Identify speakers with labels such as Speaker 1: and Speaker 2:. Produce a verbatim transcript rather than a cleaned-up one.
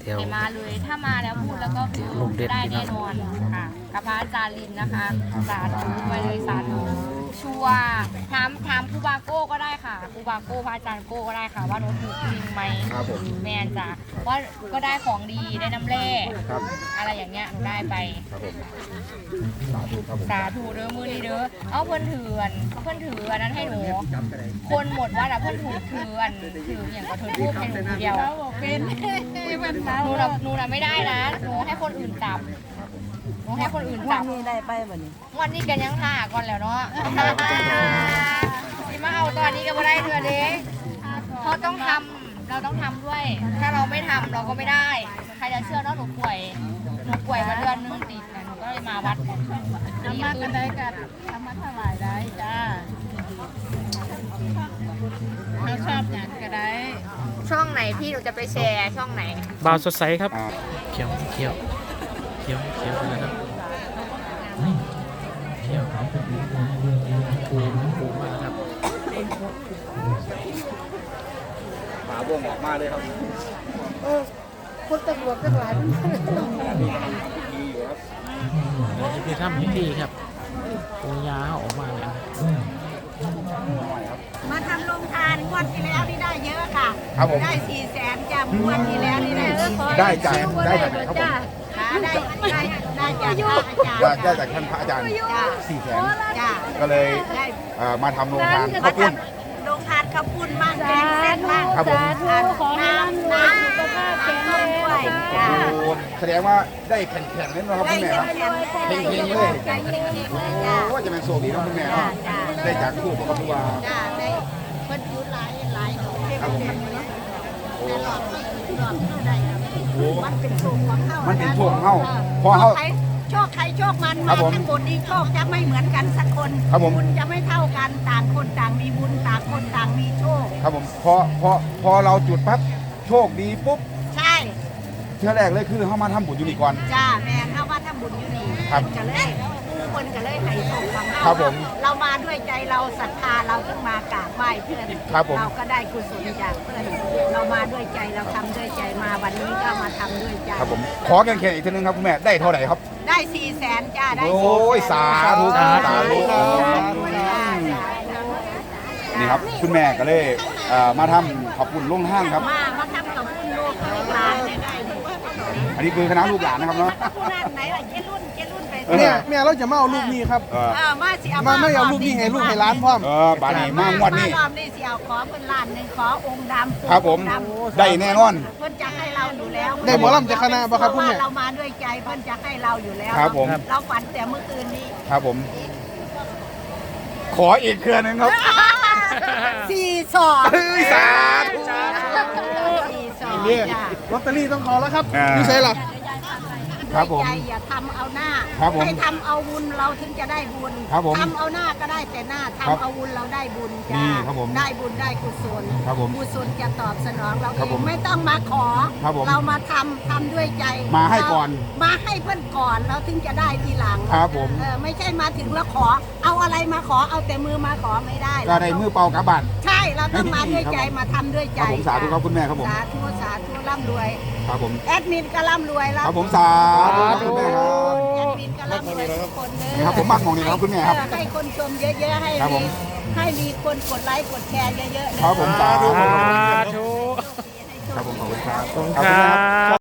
Speaker 1: เดี๋ยว
Speaker 2: ให้มาเลยถ้ามาแล้วพูดแล้วก็คือ
Speaker 1: ลูกเด็ด
Speaker 2: ได้
Speaker 1: พี่น้
Speaker 2: แน่
Speaker 1: อง
Speaker 2: นอนค่ะกับพระอาจารย์ลินนะคะสาธุไปเลยสาธุชัวร์ถามถามครูบาโก้ก็ได้ค่ะครูบาโก้พระอาจารย์โก้ก็ได้ค่ะว่าหนูถูกจริงไหม
Speaker 3: ครับผม
Speaker 2: แมนจ้ะว่าก็ได้ของดีได้น้ำแร่
Speaker 3: ครับ
Speaker 2: อะไรอย่างเงี้ยหนูได้ไป
Speaker 3: ครับผมสาธุครับผม
Speaker 2: สาธุเด้อมือนี้เด้อเอาเพื่อนถืออันเพื่อนถืออันนั้นให้หนูคนหมดว่าแต่เพื่อนถูกถืออันถืออย่างก็ถือรูปให้หนูเดียวเป็นหนูน่ะหนูน่ะไม่ได้นะหนูให้คนอื่นจับหนูให้คนอื่นจับ
Speaker 4: นี่ได้ไปบ่นี่
Speaker 2: วันนี้กันยังท่าก่อนแล้วเนาะสิมาเอาตอนนี้ก็ไม่ได้เธอเด้เขาต้องทำเราต้องทำด้วย ถ้าเราไม่ทำเราก็ไม่ได้ใครจะเชื่อเนาะหนูป่วยหนูป่วยมาเดือนนึงติดนะหนูก็เลยมาวัด
Speaker 4: ทำมากันได้กันทำมาถวายได้จ้าเราชอบอย่างก็ได้
Speaker 2: ช่องไหนพี่หนูจะไปแชร์ช่องไหน
Speaker 1: บ่าวสดใสครับ
Speaker 3: อ่า
Speaker 1: เขียวเขียวเขียวเขียวนะครับเขียวปูปูมากครับ
Speaker 3: ฝาบ่วงออกมาเลยครับ
Speaker 4: คนตำรวจทั้งหลายมัน
Speaker 3: ดีอยู่ครับ
Speaker 1: เดี๋ยวจะไปทำพิธีครับปูยาออกมาแล้ว
Speaker 4: มาทำโรงทานงวดที่แล้วนี่ได้เยอะค่ะ
Speaker 3: ครับผม
Speaker 4: ได้สี่แสนจ้างวดที่แล้วนี่ได้เยอะ
Speaker 3: ได้จากได้จากไหนครับผม
Speaker 4: ค่ะได้ได้ได้จากพระอาจารย์
Speaker 3: ได้ได้จากท่านพระอาจารย์
Speaker 4: จ้า
Speaker 3: สี่แสน
Speaker 4: จ้า
Speaker 3: ก็เลย
Speaker 4: ได้
Speaker 3: เอ่อมาทำโรงทานข้าวปุ้น
Speaker 4: โรงทานข้าวปุ้นบ้างแกงเส้นบ้าง
Speaker 3: ครับผม
Speaker 4: น้ำน้ำสุขภาพแข็งแรงด้วยจ้า
Speaker 3: โอ้แสดงว่าได้แข่งๆเล่นนะครับ
Speaker 4: ได้
Speaker 3: คุณแม่
Speaker 4: เย
Speaker 3: ค
Speaker 4: อะ
Speaker 3: รับ
Speaker 4: แยะ
Speaker 3: เฮงๆเลย
Speaker 4: ได้เยอะๆเลยจ้า
Speaker 3: โอ้จะเป็นโชคดีเนาะคุณแม่เนาะ
Speaker 4: จ้า
Speaker 3: ได้จากคู่กับครูบา
Speaker 4: จ้าได้เพิ่นอยู่หลายหลายดอกเทพ
Speaker 3: ครับผม
Speaker 4: เทพเนาะแต่หลอดหลอดเท่าใด
Speaker 3: โอ้
Speaker 4: มันเป็นโชคของเฮา
Speaker 3: มั
Speaker 4: มัน
Speaker 3: เป็นโชคของเฮาเพราะเฮา
Speaker 4: โชคใครโชคมัน
Speaker 3: ครั
Speaker 4: มา
Speaker 3: บผม
Speaker 4: ทั้งหมดนี้โชคจะไม่เหมือนกันสักคน
Speaker 3: ครับผม
Speaker 4: บุญจะไม่เท่ากันต่างคนต่างมีบุญต่างคนต่างมีโชค
Speaker 3: ครับผมพอพอพอเราจุดปั๊บโชคดีปุ๊บ
Speaker 4: ใช่
Speaker 3: เท่าแรกเลยคือเฮามาทำบุญอยู่นี่ก่อน
Speaker 4: จ้าแม่นเฮาว่าทำบุญอยู่นี่
Speaker 3: ครับ
Speaker 4: จะเลยผู้คนจะเลยให้โชคของเฮา
Speaker 3: ครับผม
Speaker 4: เรามาด้วยใจเราศรัทธาเราถึงมากราบไหว้เพื่อน
Speaker 3: ครับผม
Speaker 4: เราก็ได้กุศลจากเพื่อนเรามาด้วยใจเราทำด้วยใจมาวันนี้ก็มาทำด้วยใจ
Speaker 3: ครับผมขอแข่งๆอีกทีนึงครับคุณแม่ได้เท่าไหร่ครับ
Speaker 4: ได้สี่แสนจ้าได้
Speaker 3: โอ้ยสาธุสาธุ
Speaker 4: จ้าจ้า
Speaker 3: นี่ครับคุณแม่ก็เลยเอ่อมาทำขอบคุณลุงห้างครับ
Speaker 4: มามาทำกับคุณลูกลูกหลานเนี่ยได้
Speaker 3: อันนี้คือคณะลูกหลานนะครับเนาะ
Speaker 4: ผู้นั้นไหนล่ะเจรุ่นเจรุ่นไป
Speaker 5: เนี่ยแม่เราจะมาเอาลูกนี้ครับ
Speaker 3: เออ
Speaker 4: เออมาสิเอา
Speaker 5: มาไม่เอาลูกนี้ให้ลูกให้ร้านพร้อม
Speaker 3: เออบานี้มางวดนี้
Speaker 4: รอบนี้สิเอาขอเพิ่นล้านหนึ่งขอองค์ดำ
Speaker 3: ครับผม
Speaker 4: องดำ
Speaker 3: ได้แน่นอน
Speaker 4: เพิ่นจะให้เราอยู่แล้ว
Speaker 5: ได้หมอลำจากคณะบ่ครับคุณแม่
Speaker 4: เพาะว่าเรามาด้วยใจเพิ่นจะให้เราอยู่แล้ว
Speaker 3: ครับผม
Speaker 4: เราฝันแต่เมื่อคืนนี้
Speaker 3: ครับผม ขออีกเครือหนึงครับ
Speaker 4: สี่สอง
Speaker 3: เฮ้ยสาธุ
Speaker 4: สี่สอง
Speaker 5: นี่
Speaker 4: จ้ะ
Speaker 5: ลอตเตอรี่ต้องขอแล้วครับ
Speaker 3: อ่า
Speaker 5: นี่ใช่หรอ
Speaker 3: ครับผม
Speaker 4: ด้วยใจอย่าทำเอาหน้า
Speaker 3: ครับผม
Speaker 4: ให้ทำเอาบุญเราถึงจะได้บุญ
Speaker 3: ครับผม
Speaker 4: ทำเอาหน้าก็ได้แต่หน้า
Speaker 3: ครับ
Speaker 4: ทำเอาบุญเราได้บุญจ้า
Speaker 3: นี่ครับผม
Speaker 4: ได้บุญได้กุศล
Speaker 3: ครับผม
Speaker 4: กุศลจะตอบสนองเรา
Speaker 3: ครั
Speaker 4: เอบ
Speaker 3: ผม
Speaker 4: งไม่ต้องมาขอ
Speaker 3: ครับผม
Speaker 4: เรามาทำทำด้วยใจ
Speaker 3: มาให้ก่อน
Speaker 4: เรามาให้เพื่อนก่อนเราถึงจะได้ทีหลัง
Speaker 3: ครับผม
Speaker 4: เออไม่ใช่มาถึงแล้วขอ เอาอะไรมาขอเอาแต่มือมาขอไม่ได้
Speaker 3: ก็ได้มือเปล่ากระบาด
Speaker 4: ใช่เราต้องมาด้วยใจ
Speaker 3: ครับ
Speaker 4: มาทำด้วย
Speaker 3: ค
Speaker 4: ใจ
Speaker 3: รับผมสาธุครับคุณแม่ครับผม
Speaker 4: สาธุสาธุร่ำรวย
Speaker 3: ครับผม
Speaker 4: แอดมินก็ร่ำรวยแล้ว
Speaker 3: ครับผมสาธุครับคุณแม่ครับ
Speaker 4: แอดมินก็ร่ำรวยทุกคนเด้อ
Speaker 3: นี่ครับผมมักมองนี่ครับคุณแม่ครับ
Speaker 4: เออให้คนชมเยอะๆให้
Speaker 3: ครับผ
Speaker 4: มี
Speaker 3: ม
Speaker 4: ให้มีคนกดไลค์กดแชร์เยอะๆเด้อ
Speaker 3: ครับผมสาธุ
Speaker 1: สาธุ
Speaker 3: ครับผมขอบคุณครับ
Speaker 1: ขอบคุณ
Speaker 3: ขอบ
Speaker 1: ค
Speaker 3: คุณ
Speaker 1: รั
Speaker 3: ครับ
Speaker 1: บ